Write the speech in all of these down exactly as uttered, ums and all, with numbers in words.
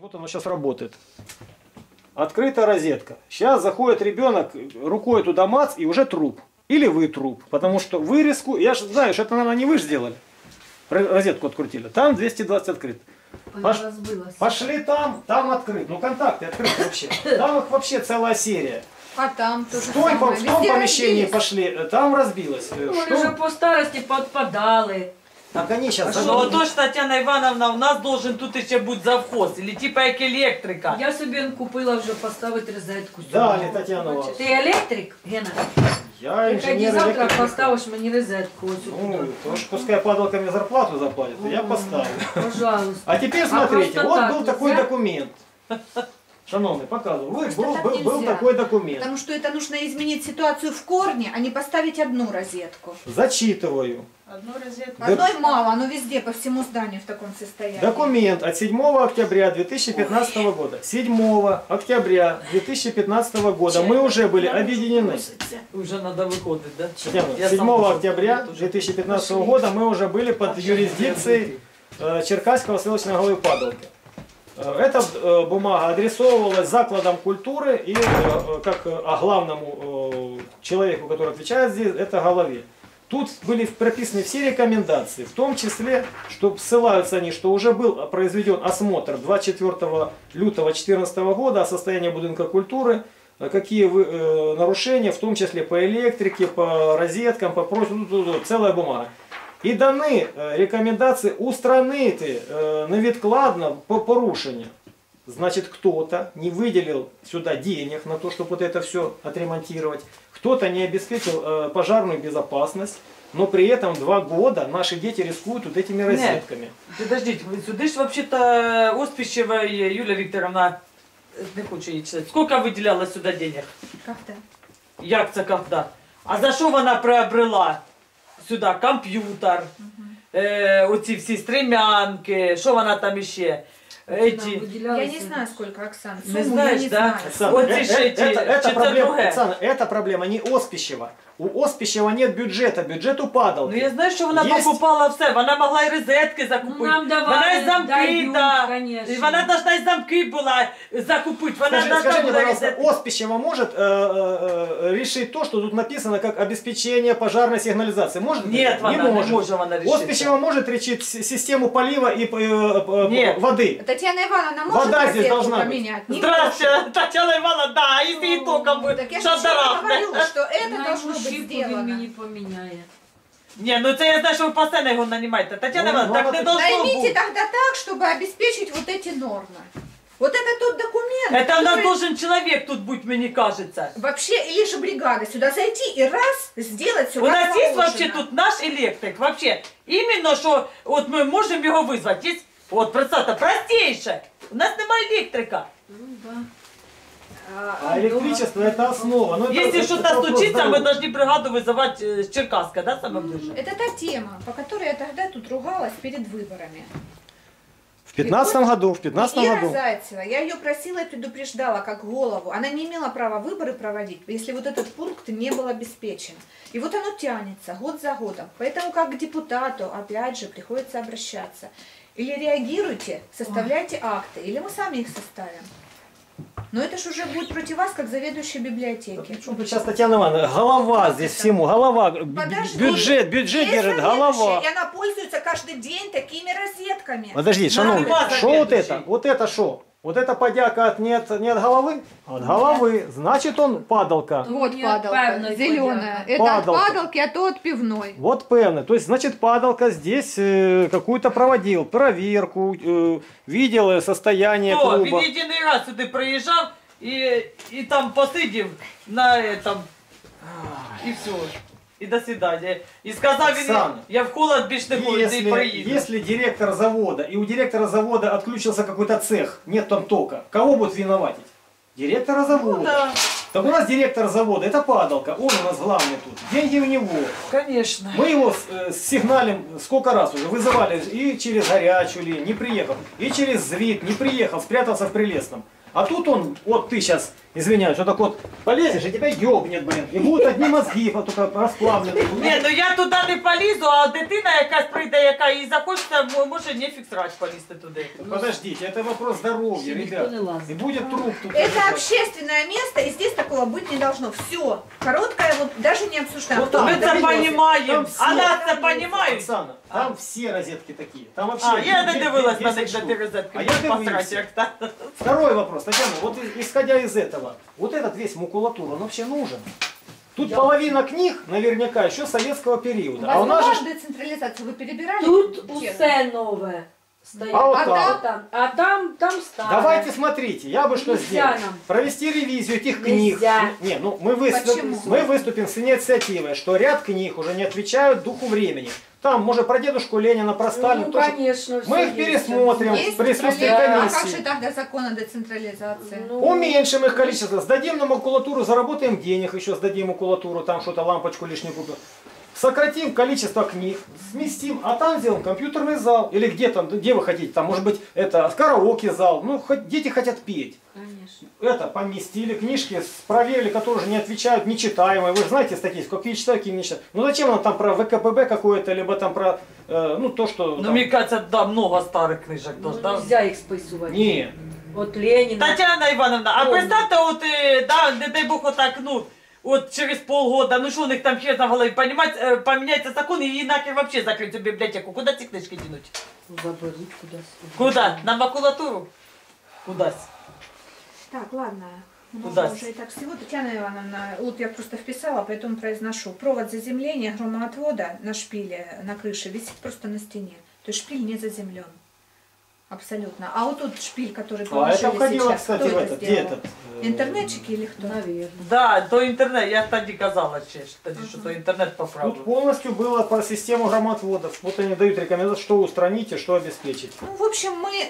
Вот оно сейчас работает. Открыта розетка. Сейчас заходит ребенок, рукой туда мац, и уже труп. Или вы труп. Потому что вырезку, я же знаю, что это, наверное, не вы же сделали. Розетку открутили. Там двести двадцать открыт. Пош... Пошли там, там открыт. Ну контакты открыты вообще. Там их вообще целая серия. А там тоже в том, в том помещении разбились. Пошли, там разбилось. Ну, что? Уже по старости подпадали. Так они сейчас... А ну, то ж, Татьяна Івановна, у нас должен тут ще бути завхоз, или типа як електрика. Я собі купила вже поставити розетку. Далі, Тетяна Івановна. Ти електрик, Гена? Я інженер завтра електрик. поставиш мені розетку. Ну, то ж пускай падалка мне зарплату заплатит, О, я поставлю. Пожалуйста. А теперь смотрите, а вот так был такой нельзя? документ. Шановный, показываю. Вот был, так был, был такой документ. Потому что это нужно изменить ситуацию в корне, а не поставить одну розетку. Зачитываю. Одну розетку. Одной мало, оно везде, по всему зданию в таком состоянии. Документ от седьмого октября две тысячи пятнадцатого года. седьмого октября две тысячи пятнадцатого года мы уже были объединены. Уже надо выходить, да? седьмого октября две тысячи пятнадцатого года мы уже были под юрисдикцией Черкасского селищного головы Падалки. Эта бумага адресовывалась закладом культуры и как главному человеку, который отвечает здесь, это голове. Тут были прописаны все рекомендации, в том числе, что ссылаются они, что уже был произведен осмотр двадцать четвёртого лютого две тысячи четырнадцатого года о состоянии будинка культуры, какие нарушения, в том числе по электрике, по розеткам, по прочему, целая бумага. І дані рекомендації устранити невідкладно по порушенню. Значит, кто-то не выделил сюда денег на то, чтобы вот это все отремонтировать. Кто-то не обеспечил пожарную безопасность. Но при этом два года наши дети рискуют вот этими розетками. Нет, подождите, сюда же вообще-то Оспищева Юлия Викторовна, не хочу її читати, сколько выделяла сюда денег? Когда? Як це когда? А за що вона приобрела сюди комп'ютер, угу. е, оці всі стремянки, що вона там іще? Эти... Я не знаю, сколько, Оксана. Не знаешь, да? Оксана, вот э, э, это, это, проблема, Оксана, это проблема не Оспищева. У Оспищева нет бюджета, бюджет у Падалки. Ну я знаю, що вона Есть... покупала все, вона могла і розетки закупити. Нам давали, вона і замки, дають, да. Конечно. І вона должна і замки була закупити. Вона Скажи, скажи мне, пожалуйста, Оспищева может э, э, решить то, что тут написано как обеспечение пожарной сигнализации? Может? Нет, не она может. не может она решить. Оспищева может решить систему полива и э, Нет. воды. Татьяна Ивановна может Вода здесь должна поменять? быть. Здравствуйте, Татьяна Ивановна, да, и ты током будет. Так я же говорю, что это должно быть сделано. Поменяет. Не, ну это я знаю, что вы постоянно его нанимаете. Татьяна Ивановна, так не должно быть. Наймите тогда так, чтобы обеспечить вот эти нормы. Вот это тот документ. Это у нас должен человек тут быть, мне кажется. Вообще, или же бригада сюда зайти и раз сделать все. У нас есть вообще тут наш электрик, вообще. Именно, что вот мы можем его вызвать. Есть, вот, представьте, простейшее. У нас немає электрика. Ну, да. А электричество это основа. Но Если это, что-то случится, мы должны бригаду вызывать с Черкасска, да, самое ближе? Это та тема, по которой я тогда тут ругалась перед выборами. В пятнадцатом году, в пятнадцатом Ира году. Зайцева, я ее просила и предупреждала как голову. Она не имела права выборы проводить, если вот этот пункт не был обеспечен. И вот оно тянется год за годом. Поэтому как к депутату, опять же, приходится обращаться. Или реагируйте, составляйте акты, или мы сами их составим. Но это же уже будет против вас, как заведующей библиотеки. Тут сейчас, Татьяна Ивановна, голова здесь всему, голова, Подожди, бюджет, бюджет держит, голова. И она пользуется каждый день такими розетками. Подожди, шановный, что вот это? Вот это что? Вот это подяка от, не, от, не от головы? От головы. Значит, он падалка. Вот Нет, падалка, зеленая. Это падалка. от падалки, а то от пивной. Вот певный. То есть, значит, падалка здесь э, какую-то проводил, проверку, э, видел состояние Кто? клуба. Він єдиний раз сюди приїжджав і, і там посидів на этом, і все. И до свидания. И сказал, Оксана, я в холод більш не буду, Если, и проеду. если директор завода, и у директора завода отключился какой-то цех, нет там тока, кого будут виноватить? Директора завода. Ну, да. Так у нас директор завода, это падалка, он у нас главный тут. Деньги у него. Конечно. Мы его э, сигналим сколько раз уже, вызывали и через горячую линию, не приехал, и через ЗВИД, не приехал, спрятался в Прилесном. А тут он, вот ты сейчас извиняюсь, вот так вот полезешь, и тебя ёбнет, блин. И будут одни мозги, вот только расплавленные. Ні, ну я туди не полізу, а дитина якась прийде, яка їй захочеться, м- може нефіг срать полізти туди. Подождите, это вопрос здоровья, ребят. И будет труп тут. Это общественное место, и здесь такого быть не должно. Все. Короткое, вот даже не обсуждаем. Вот Кто так. Ми это це привез? розуміємо, Там а всі- нас це розуміють. Оксана, там все розетки такие. Там вообще А, я не де- дивилась де- на десять них, де штук. ти розетки. А я посрать, дивився. як та. Второй вопрос, Татьяна, вот и- исходя из этого, вот этот весь макулатура, он вообще нужен? Тут половина книг наверняка еще советского периода. А у нас Возможно, же... децентрализацию вы перебирали? Тут Честно. усе нове стоїть. А от а, там? там, а там, там старе. Давайте смотрите, я бы что Нельзя сделал. нам. Провести ревизию этих Нельзя. книг. Не, ну мы, выступ- Почему? мы выступим с инициативой, что ряд книг уже не отвечают духу времени. Там, может, про дедушку Ленина, про Сталина. Ну, тоже. конечно, Мы все их пересмотрим Есть в присутствии децентрализация? А как комиссии. же тогда закон о децентрализации? Ну, Уменьшим их количество, сдадим на макулатуру, заработаем денег, еще сдадим макулатуру, там что-то, лампочку лишнюю купим. Сократим количество книг, сместим, а там сделаем компьютерный зал. Или где там, где вы хотите, там может быть это караоке зал, ну хоть дети хотят петь. Конечно. Это поместили, книжки с- проверили, которые уже не отвечают, нечитаемые. Вы же знаете статистику, какие читают, какие не читают. Ну зачем нам там про ВКПБ какое-то, либо там про, э, ну то, что... Ну, там- мені кажется, да, много старих книжок. Ну, тож, да? нельзя їх списувати. Не, От Леніна. Тетяна Івановна, а Ой. представте, от, е, да, не дай Бог, отак, ну, от через полгода, ну що у них там ще на голові, понімаєте, е, поміняється закон і нахер вообще закрыть цю бібліотеку. Куди ці книжки дінуть? Заберуть кудись. Куди? На макулатуру? Кудись. Так, ладно. Много Удастся. уже и так всего. Татьяна Ивановна, вот я просто вписала, поэтому произношу. Провод заземления громоотвода на шпиле, на крыше, висит просто на стене. То есть шпиль не заземлен. Абсолютно. А вот тут шпиль, который а положили это входило, сейчас, кстати, кто в это этот, где сделал? этот? э, Интернетчики или кто? Навірно. Да, то інтернет, я тоді казала ще, ж, тоді, що то інтернет поправив. Тут полностью было по систему громотводов. Вот они дают рекомендации, что устранить и что обеспечить. Ну, в общем, мы...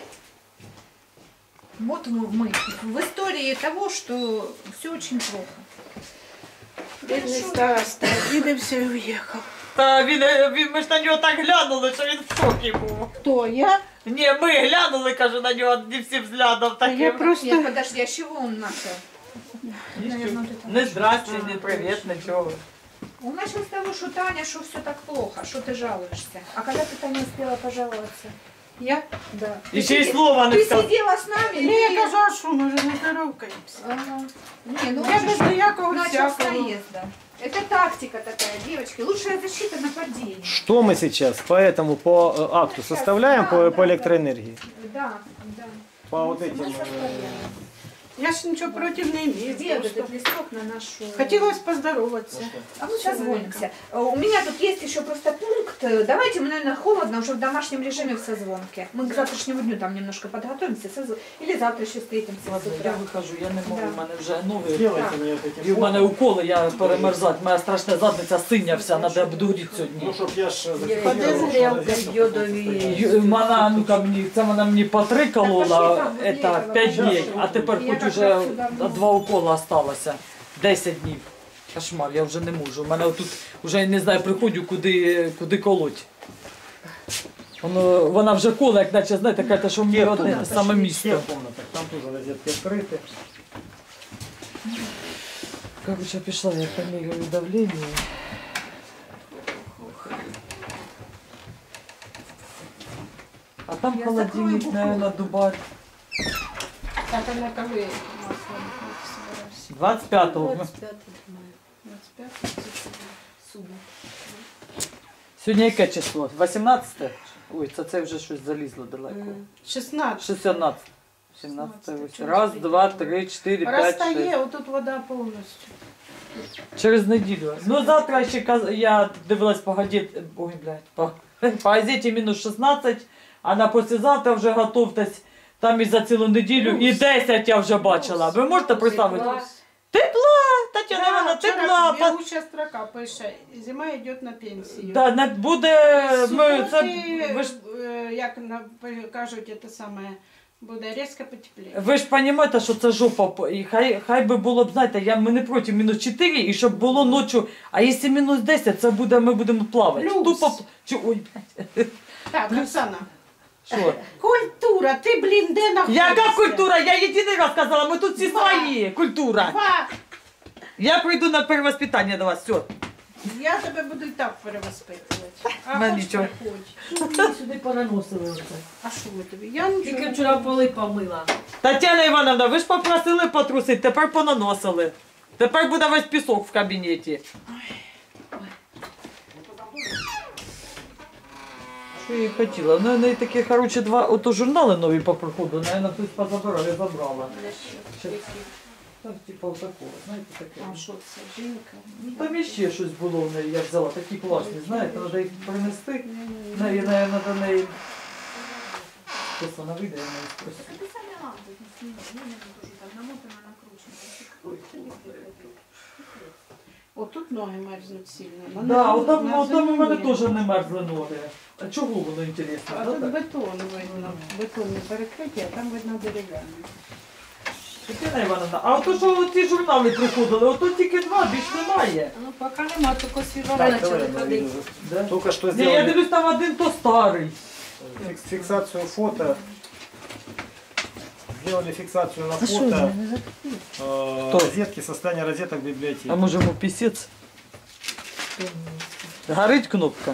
Вот мы, мы в истории того, что все очень плохо. Бідний староста, обідався і уїхав. Та він, е, він, ми ж на нього так глянули, що він в шокі був. Хто я? Ні, ми глянули, кажу, на нього не всі взглядом А я таким. просто Нет, подожди, а с чего он начал? Наверное, вот это. Не здрасте, не привіт, нічого. Он начал с того, что Таня, что все так плохо, что ты жалуешься. А когда ты, Таня, успела пожаловаться? я. Да. І ще й слова не Ты сказав. сидела с нами? Ну, или я ты- кажу, а що, може, не здоровкаємося? Ага. Не, ну Я он без же ніякого начал с всякого. наезда. Это тактика такая, девочки. Лучшая защита нападения. Что мы сейчас по этому, по э, акту Сейчас, составляем, да, по, да, по да. электроэнергии? Да, да. По вот Мы этим... э, составляем. Я ж нічого проти не Где маю. вот этот листок на нашу... Хотілося поздороватися. А мы созвонимся. Э, У меня тут есть еще просто пункт. Э, Давайте мы, наверное, холодно, уже в домашнем режиме в созвонке. Мы к завтрашнему дню там немножко подготовимся. созв- Или завтра еще встретимся с Ладно, утра. я виходжу, я не можу, Да. в мене вже ноги. Сделайте мне вот эти І в мене фото. уколи, я перемерзати, моя страшна задниця синя вся, треба буду горіти Ну, сьогодні. чтоб я ж... Ходи з грілки йодові. Ю- Вона, ну ка мені, це вона мені по три колола, Так, пошли там, это, возле п'ять этого. днів, а тепер Я хоч как уже раз сюда вниз. два укола осталося. десять днів. Кошмар, я вже не можу. У мене тут вже не знаю, приходжу, куди, куди колоть. Воно, вона вже коле, як наче, знаєте, каже, що мені Є одне те комната, саме Все місто. в комнатах, там тоже розетки открыты. Короче, пішла я поміряю давлення. А там Я холодильник, закрою наверное, дубать. Так, а на коли масло собирався? двадцять п'ятого. двадцять п'яте мая. двадцять п'яте? Субота. Сьогодні яке число? вісімнадцяте? Ой, це це вже щось залізло далеко. М. шістнадцять. шістнадцяте. сімнадцяте. шістнадцяте. Раз, два, три, чотири, п'ять, шість. Розтає, отут вода повністю. Через неділю. Ну завтра ще каз- я дивилась по газеті, ой, блядь, по, по газеті мінус шістнадцять, а на послезавтра вже готовтесь. Там і за цілу неділю, і десять я вже бачила. Ви можете представити? Тепла. Тепла, Тетяна Да, Івановна, вчора тепла. по- бігуча строка пише, зима йде на пенсію. Да, не буде, ми, це, Суботи, ви ж, е, як на- кажуть, це саме, буде різко потепліє. ви ж розумієте, що це жопа, і хай, хай би було б, знаєте, я, ми не проти мінус чотири, і щоб було ночі, а якщо мінус десять, це буде, ми будемо плавати. Плюс. Тупо, чи, ой, блядь. Так, Оксана, Що? Культура, ти, блін, де знаходишся? Яка культура? Я єдиний раз сказала, ми тут всі Два. свої. Культура. Два. Я прийду на перевоспитання до вас, все. Я тебе буду і так перевоспитувати. А Мене хоч нічого. приходь. Мені сюди понаносили оце. А що ви тобі? Я нічого. Тільки вчора поли помила. Тетяна Івановна, ви ж попросили потрусити, тепер понаносили. Тепер буде весь пісок в кабінеті. Що я і хотіла? Ну, неї такі, коротше, два ото журнали нові по приходу, наверное, хтось позабирав, я забрала. Щас. Так, типа отакого, знаєте, таке. А що це, жінка? Ну, там іще щось було в неї, я взяла, такі класні, знаєте, треба їх принести. Неї, наверное, до неї. Хтось вона вийде, я неї спросила. Отут ноги мерзнуть сильно. На Да, низу- отам, на отам у мене землі. теж не мерзли ноги. А чого воно інтересно? А да, тут так? бетон видно, бетонне перекриття, а там видно дерев'яне. Тетяна Івановна, а ото що ці журнали приходили, ото тільки два, більш немає. Ну, поки нема, тільки свіжо Так, почали давай, ходити. Да? Только что Ні, я сделали дивлюсь, там один то старий. фикс- фиксацию фото. Сделали фиксацию на фото э, розетки, состояние розеток в библиотеке. А може йому пісець? Горить кнопка.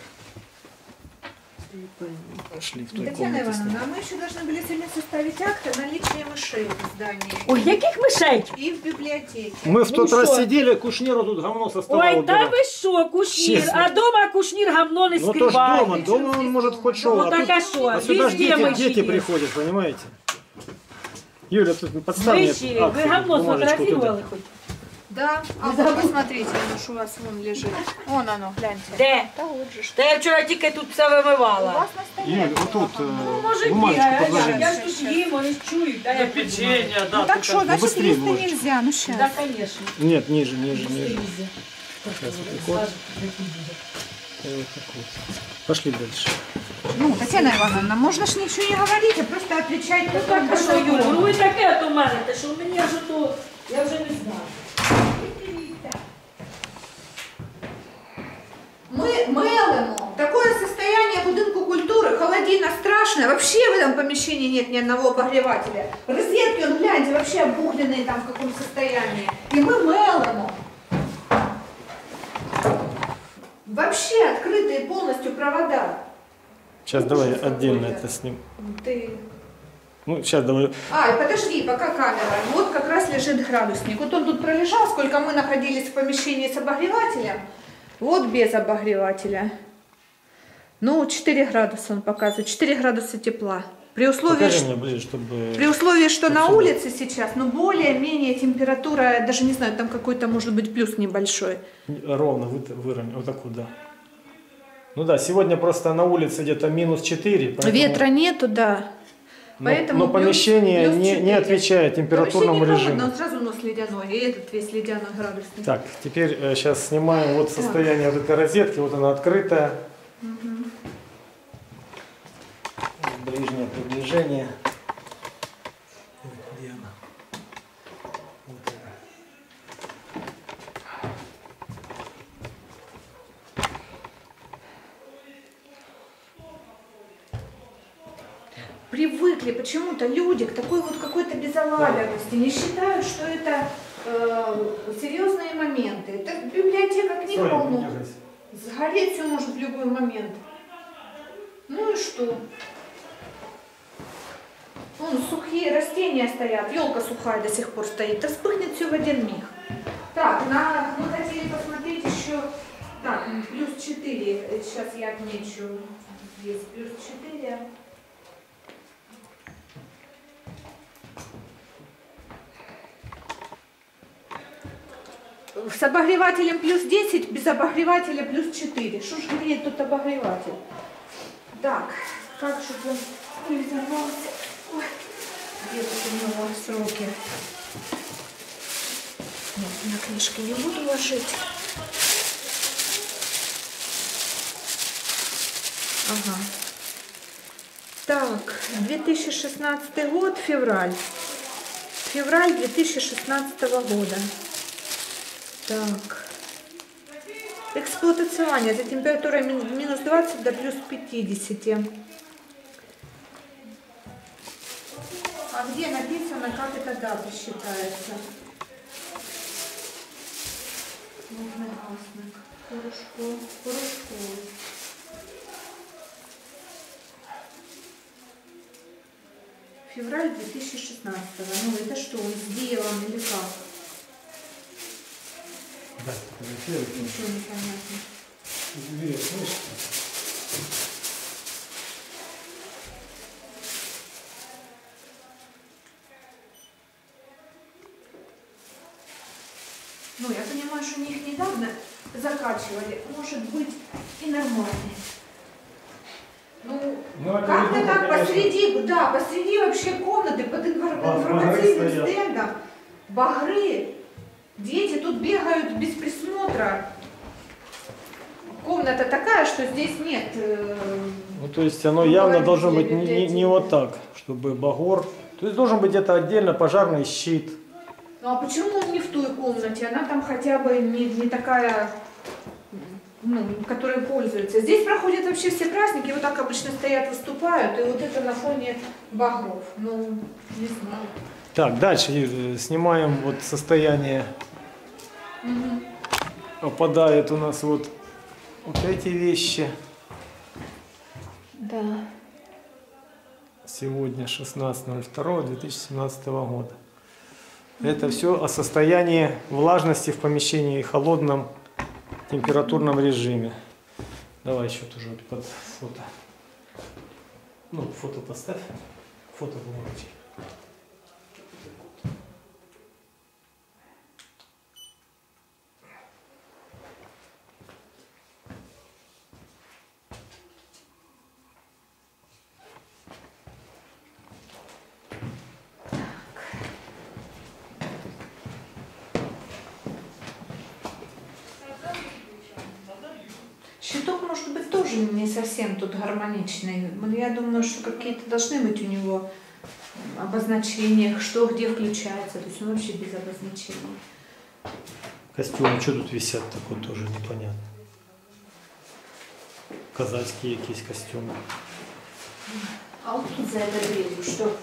Пошли в той Татьяна комнате. Ивановна, а мы еще должны были сегодня составить акт о наличии мышей в здании Ой, яких мишей? и в библиотеке. Мы в тот Ну раз что? сидели, Кушниру тут говно со стола Ой, та убирал. ви що, кушнір, Чесно. а дома кушнір гамно не Ну то ж скриває. дома, дома он может хоть шоу, Ну а, так тут- а що, а сюда ж везде дети, миші дети є. приходят, понимаете? Юля, тут подставь мне Миші, акт, ви гамно бумажечку сфотографували туда. хоч? Да, а вот посмотрите, оно ж у вас вон лежит. Вон оно, гляньте. Де? Да вот же. ж. Та я вчора тільки тут все У вимивала. вас на столе. Юль, вот тут Ну, э, може бумажечку бігає, подложи. я ж тут їм, вони ж чують. Та я Печення, да. Ну так тут что, значит, быстрее листы можете. нельзя, ну сейчас. Да, конечно. Нет, ниже, ниже, ниже. Сейчас вот так вот. И вот так вот. Пошли дальше. Ну, Татьяна Ивановна, можно ж ничего не говорить, а просто отвечать Ну по так, а тому, що, Юля, что ну ви таке от у мене, те, що мені аж то, я вже не знаю. Мы мелимо. Такое состояние будинку культуры, холодина страшная. Вообще в этом помещении нет ни одного обогревателя. Розетки, он, гляньте, вообще обугленные там в каком состоянии. И мы мелимо. Вообще открытые полностью провода. Сейчас давай отдельно это снимем. Ты... Ну, сейчас давай. А, и подожди, пока камера. Вот как раз лежит градусник. Вот он тут пролежал, сколько мы находились в помещении с обогревателем. Вот без обогревателя. Ну, четыре градуса он показывает. четыре градуса тепла. При условии, Покажи что, мне ближе, чтобы... при условии, что на Отсюда. улице сейчас, ну, более-менее температура, даже не знаю, там какой-то может быть плюс небольшой. Ровно вы, выровняй. Вот так вот, да. Ну да, сегодня просто на улице где-то минус четыре. поэтому- Ветра нету, да. Но, Поэтому но плюс- помещение плюс не, не четыре. отвечает температурному Вообще не режиму. холодно, он сразу нос ледяной, и этот весь ледяной градусник. Так, теперь э, сейчас снимаем вот состояние вот этой розетки. Вот она открытая. Ближнее приближение. Ой, где она? Вот она. Привыкли почему-то люди к такой вот какой-то безалаберности, не считают, что это э, серьезные моменты. Это библиотека книг Стой, полно. не держись. Сгореть все может в любой момент. Ну и что? Вон сухие растения стоят, елка сухая до сих пор стоит, а вспыхнет все в один миг. Так, на, мы хотели посмотреть еще, так, плюс четыре, сейчас я отмечу, здесь плюс четыре. С обогревателем плюс десять, без обогревателя плюс четыре. Что ж греет тут обогреватель? Так, как же он приземлился? Ой, где тут у него сроки? Нет, на книжки не буду ложить. Ага. Так, две тысячи шестнадцатый год, февраль. Февраль две тысячи шестнадцатого года. Так. Эксплуатационное за температурой мин- минус двадцать до плюс пятьдесят. где написано, как эта дата считается? Вогнегасник. Порошко. Порошковый. Февраль две тысячи шестнадцатого. Ну это что, он сделан или как? Да, Ничего не понятно. Две, слышишь? Ну, я понимаю, что они их недавно закачивали. Может быть и нормальный. Ну, Ну, это как-то не так конечно. посреди, да, посреди вообще комнаты под инфор- Ба- информативным багры стоят. стендом. Багры. Дети тут бегают без присмотра. Комната такая, что здесь нет. э, Ну, то есть оно Ну, явно говорите, должно быть не, не- не библиотеки. вот так, чтобы багор. То есть должен быть где-то отдельно пожарный щит. Ну а почему он не в той комнате? Она там хотя бы не, не такая, ну, которой пользуется. Здесь проходят вообще все праздники, вот так обычно стоят, выступают, и вот это на фоне багров. Ну, не знаю. Так, дальше э, снимаем вот состояние. Мгм. Попадают у нас вот, вот эти вещи. Да. Сегодня шестнадцатое второе две тысячи семнадцатого года. Это все о состоянии влажности в помещении и холодном температурном режиме. Давай еще тоже вот под фото. Ну, фото поставь. Фото бумажки. Щиток может быть тоже не совсем тут гармоничный. Ну, я думаю, что какие-то должны быть у него обозначения, что где включается. То есть он вообще без обозначений. Костюмы, что тут висят, такое тоже непонятно. Казацкие якісь костюмы. А вот тут за этой дверью что?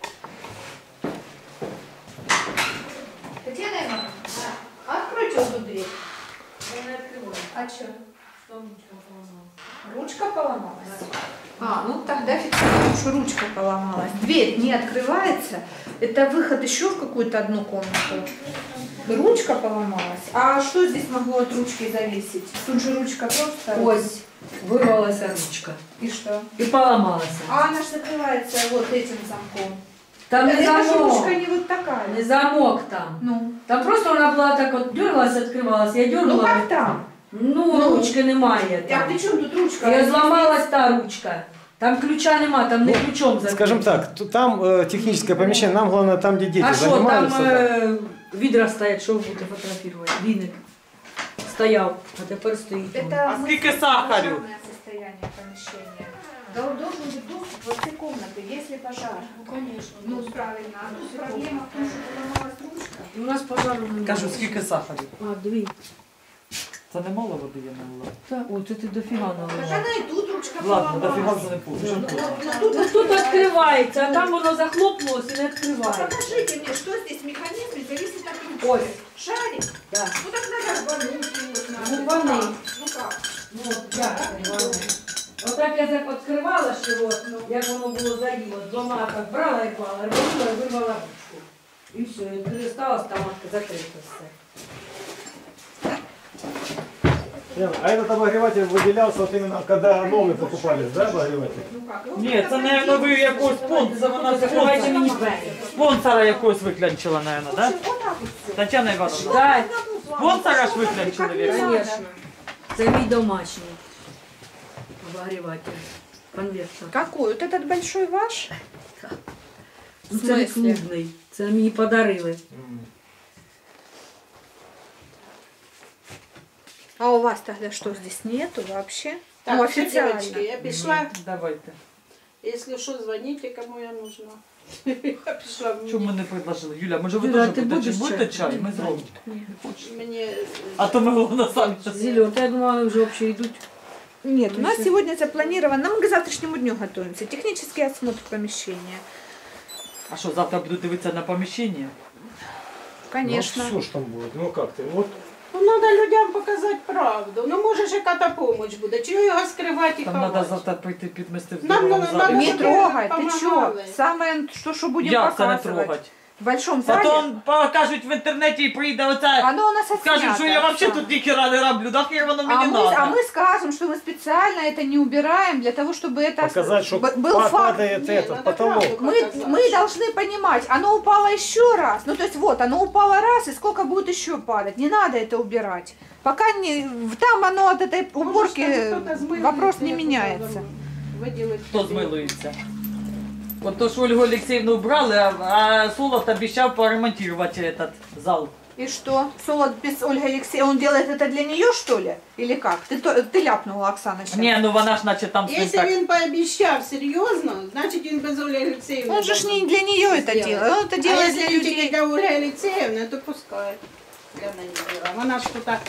Татьяна Ивановна, а откройте вот эту дверь. Я не открываю. А что? Там ничего поломалось. Ручка поломалась? А, ну тогда фиксируем, что ручка поломалась. Дверь не открывается. Это выход еще в какую-то одну комнату. Ручка поломалась. А что здесь могло от ручки зависеть? Тут же ручка просто... Ось, вырвалась ручка И что? и поломалась. А она же закрывается вот этим замком. Там не Это же замок, ручка не вот такая. не замок там. Ну, Там просто она была так вот дергалась, открывалась. Я ну дергала. как там? Ну, Ну. ручки немає А там. при чем тут ручка? І зламалась та ручка. Там ключа нема, там не ключом закрито. Скажем так, т- там э, техническое помещение, нам главное там, где дети А що, там занимаются. да. е, відра стоять, що ви будете фотографувати? Віник стояв, а тепер стоїть. Это А мы- сколько сахару? пожарное состояние помещения. Да, должен быть доступ во все комнаты, если пожар. Ну, конечно. Ну, правильно. А тут проблема в том, что поломалась ручка. У нас пожару немає. Кажу, скільки сахарів? А, дві. Це не мало води я налила. Та, о, це ти дофіга Так налила. она и тут ручка Ладно, дофіга поломалась. вже не Ну, получу. ну, тут, Ну, тут відкривається, а там воно захлопнулося і не А відкривається. покажите мне, что здесь механизм зависит от ручки. Ой. Шарик? Да. Ну так надо рвануть его. Ну, надо. рвани. Ну как? Ну, от як відкривала? Отак я так відкривала ж його, як воно було заїло, двома так брала і клала, рванула і вирвала ручку. І все, і пересталась там закрита все. Яна, а этот обогреватель выделялся вот именно, когда новый покупались, да, обогреватель? Ну как? Ну, Ні, це, мабуть, ви якогось спонсора, вона Закривайте спонсора, мені двері. спонсора якогось виклянчила, мабуть, в да? общем, вот так вот все. Тетяна Івановна. Да, Спонсора ж виклянчили, вірно? звісно. Це мій домашній обогріватель. Конвертер. Какой? Вот этот большой ваш? Ну, це не клубний. Це мені подарили. А у вас тогда что, здесь нету вообще? Так, ну, все, официально. девочки, я пішла. Давайте. Если что, звоните, кому я нужна. Я пішла. Чому ми не предложили? Юля, може ви Юля, теж ти будете, будеш будете чай? чай? Ми зробимо. Ні. Мені А то ми головне самі. Зельот, я думала, вже взагалі йдуть. Нет, у нас сегодня запланировано, мы к завтрашнему дню готовимся. Технический осмотр помещения. А що, завтра буду дивитися на поміщення? Конечно. Ну, все ж там будет. Ну как ты? Вот Ну, треба людям показати правду. Ну, може ж яка-то помощь буде. Чого його скривати і Там треба ховати? завтра прийти підмести в Нам другому надо- залі. надо Не чтобы трогай, ты чё? помогали. Самое, что, что будем Як це не показывать. трогать? В большом зале. Потім покажуть в інтернеті і прийде оце, Оно у нас скажуть, отснято, що я взагалі Оксана. тут ніхера не роблю, нахер воно А мені мы, а надо. мы скажем, что мы специально это не убираем для того, чтобы это показать, что б- был факт. падает Не, этот надо потолок. правду. Мы, показать. мы должны понимать, оно упало еще раз. Ну, то есть вот, оно упало раз, и сколько будет еще падать. Не надо это убирать. Пока не, там оно от этой уборки, Може, там хтось змилується, вопрос не як меняется. виділить Хто собі. змилується? От то ж Ольгу Олексіївну убрали, а, а Солод обіцяв поремонтувати этот зал. И что? Солод без Ольги Алексеевны, он делает это для нее, что ли? Или как? Ты, то- ты ляпнула, Оксана, сейчас. Ні, ну вона ж наче там з ним Якщо так. він пообіцяв серйозно, значить він без Олі Олексіївни. Он же ж не для нее это сделать. делает, он это А делает якщо для він тільки людей. для Ольги Олексіївни, то пускай. Для неї діла. Вона ж тут так.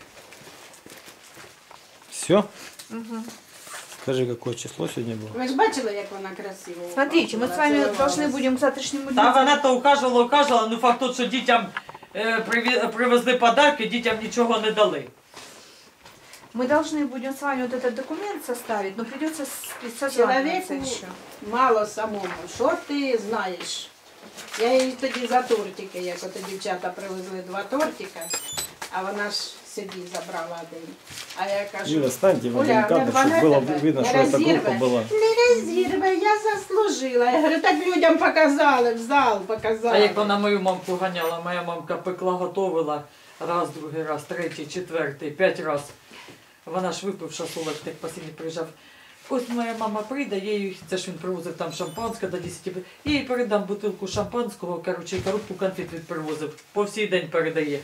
все. Скажи, какое число сегодня было? Ви ж бачили, як вона красиво. Смотрите, мы с вами Целовалась. должны будем к завтрашнему Та дню. вона то указувала, указувала, ну факт тот, що дітям е, приві- привезли подарки, дітям нічого не дали. Мы должны будем с вами вот этот документ составить, но придется с- созваниваться Чоловіку еще. мало самому. Що ти знаєш? Я їй тоді за тортики, як ото дівчата привезли два тортика, а вона ж собі забрала один. А я кажу, Юля, станьте в один Оля, кадр, не чтобы рване было тебе, видно, не что эта розірве. группа была. Не розірве, я заслужила. Я говорю, так людям показали, в зал показали. А як вона мою мамку ганяла, моя мамка пекла, готовила раз, другий раз, третій, четвертий, п'ять раз. Вона ж випивша Солод, як посінні приїжджав. Ось моя мама прийде, я їй, це ж він привозив там шампанське до десяти, я їй передам бутилку шампанського, коротше, і коробку конфет він привозив. По всій день передає.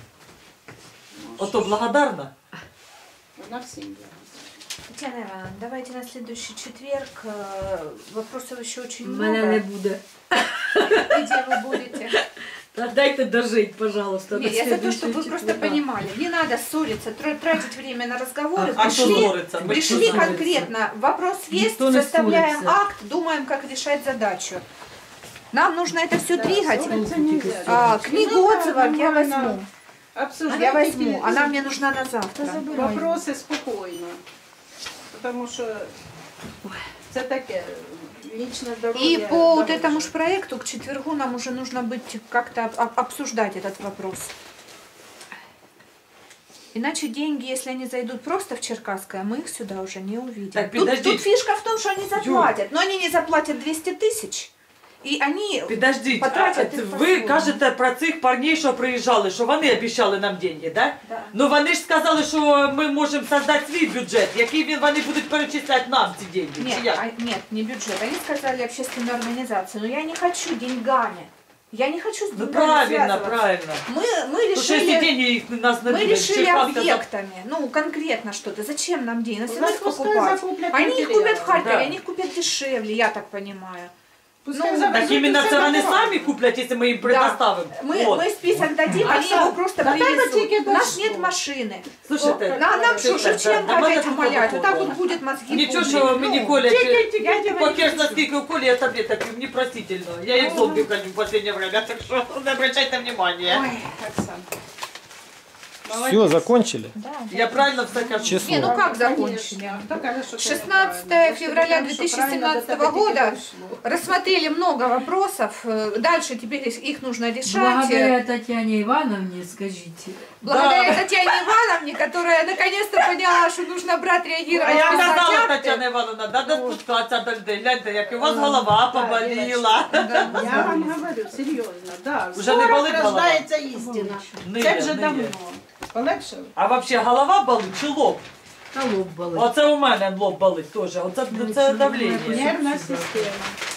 Ото благодарна. Вона всім була. Татьяна Ивановна, давайте на следующий четверг. э, Вопросов еще очень много. Мене не буде. И где вы будете? Та дайте дожить, пожалуйста. Нет, до я за то, следующего чтобы вы просто четверга. понимали. Не надо ссориться, тра- тратить время на разговоры. А що Пришли, ссориться? Ми ж пришли тут ссориться. конкретно. Вопрос есть, Никто не составляем ссорится. акт, думаем, как решать задачу. Нам нужно это все двигать. Ссориться нельзя. А, книгу Ну, отзывов я нормально. возьму. Обсуждайте Я возьму. ті- Она мне нужна на завтра. Вопроси спокійно. Тому що це таке лічне здоров'я. И по вот дорожче. этому ж проекту к четвергу нам уже нужно быть как-то об- обсуждать этот вопрос. Иначе деньги, если они зайдут просто в Черкасское, мы их сюда уже не увидим. Так, тут, подожди. тут фишка в том, что они заплатят. Но они не заплатят двести тысяч. И они... Підождіть, а, Потратять їх ви по-своєму. кажете про цих парней, що приїжджали, що вони обіцяли нам деньги, да? Да. Ну вони ж сказали, що ми можемо создати свій бюджет, який він вони будуть перечисляти нам ці деньги. Чи Нет, як? а- нет, не бюджет. Они сказали общественную организацию. Но я не хочу деньгами. Я не хочу с Ну деньгами правильно, связываться. правильно. Мы, мы Тому що якщо решили... деньги їх нас не Мы буде, решили Черкаска за- объектами, ну конкретно что-то. Зачем нам деньги? Нас Ну, всегда их пускай покупать. закуплять Они их материалы. купят в Харькове, Да. они их купят дешевле, я так понимаю. Пускай Ну, завезуть Так іменно усе це вони дорого. самі куплять, якщо ми їм предоставимо. Мы, От. мы список дадим, они Оксана, его просто да дай привезут. только У нас дождь. нет машины. Слушайте, На, нам что, да, Шевченко да, да, опять да, умолять? да, Вот так да. вот будет мозги Нічого, пудрить. що мені Ну, Коля, я тебя не покер хочу. наскільки у Колі я таблеток, мені простительно. Я їх зомбі хожу в последнее время, так що не обращайте внимания. Ой, Оксана. Все, закончили? Да, да. Я правильно все кажу? Число. Не, ну как Конечно. закончили? Кто каже, что это шестнадцатое неправильно? февраля Потому что две тысячи семнадцатого правильно до года тебя дошло. рассмотрели много вопросов. Э, Дальше теперь их нужно решать. Благодаря Татьяне Ивановне, скажите. Благодаря Да. Татьяне Ивановне, которая наконец-то поняла, что нужно брать, А реагировать. я писать казала, акты. Тетяна Івановна, треба спускатися до людей. Гляньте, як у вас голова поболіла. Я вам говорю, серйозно, да. Уже не болить голова? рождається істина. Не Це є, вже не давно. є. Полегшили? А взагалі голова болить чи лоб? Та лоб болить. Оце у мене лоб болить теж. Оце це давлення. Нервна система.